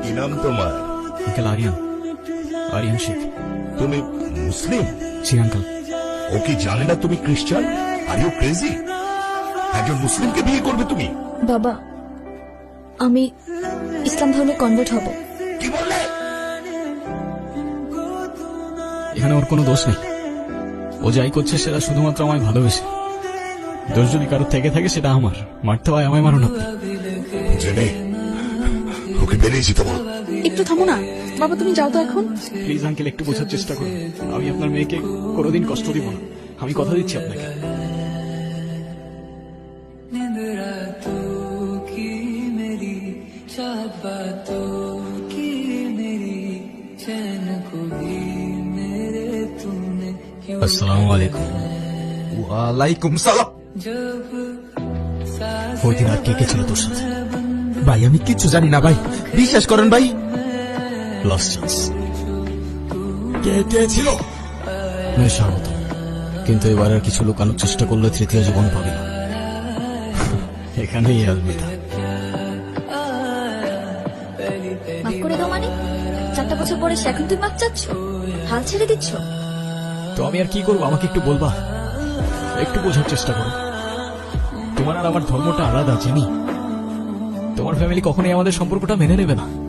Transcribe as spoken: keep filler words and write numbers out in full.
কি নাম তোমার? আঙ্কেল আরিয়ান, আরিয়ান শেখ। তুমি মুসলিম? জি আঙ্কেল। ও কি জানে না তুমি খ্রিস্টান? Are you crazy? একজন মুসলিমকে বিয়ে করবে তুমি? বাবা, আমি ইসলাম ধর্মে কনভার্ট হব। কি বললে? এখানে ওর কোনো দোষ নেই। ও যাই করছে সেটা শুধুমাত্র আমায় ভালোবেসে। দোষ যদি কারোর থেকে থাকে সেটা আমার। মারতে হয় আমায়, মারুন আপনি। জেনে ওকে বেরিয়ে যেতে বল। একটু থামো না বাবা, তুমি যাও তো এখন। প্লিজ আঙ্কেল, একটু বোঝার চেষ্টা করুন। আমি আপনার মেয়েকে কোনোদিন কষ্ট দিব না, আমি কথা দিচ্ছি আপনাকে। আসসালামু আলাইকুম। ওয়ালাইকুম সালাম। ওই দিন আর কে কে ছিল তোর সাথে? ভাই আমি কিচ্ছু জানি না ভাই, বিশ্বাস করেন ভাই। Last chance. কে কে ছিল? নয় স্বাগত, কিন্তু এবার আর কিছু লুকানোর চেষ্টা করলে তৃতীয় জীবন পাবে না। এখানেই আলবিদা। মাফ করে দাও মানে? চারটা বছর পরে সে এখন তুই মাফ চাচ্ছ? হাল ছেড়ে দিচ্ছ? তো আমি আর কি করবো, আমাকে একটু বলবা? একটু বোঝার চেষ্টা করো। তোমার আর আমার ধর্মটা আলাদা, চিনি। তোমার ফ্যামিলি কখনোই আমাদের সম্পর্কটা মেনে নেবে না।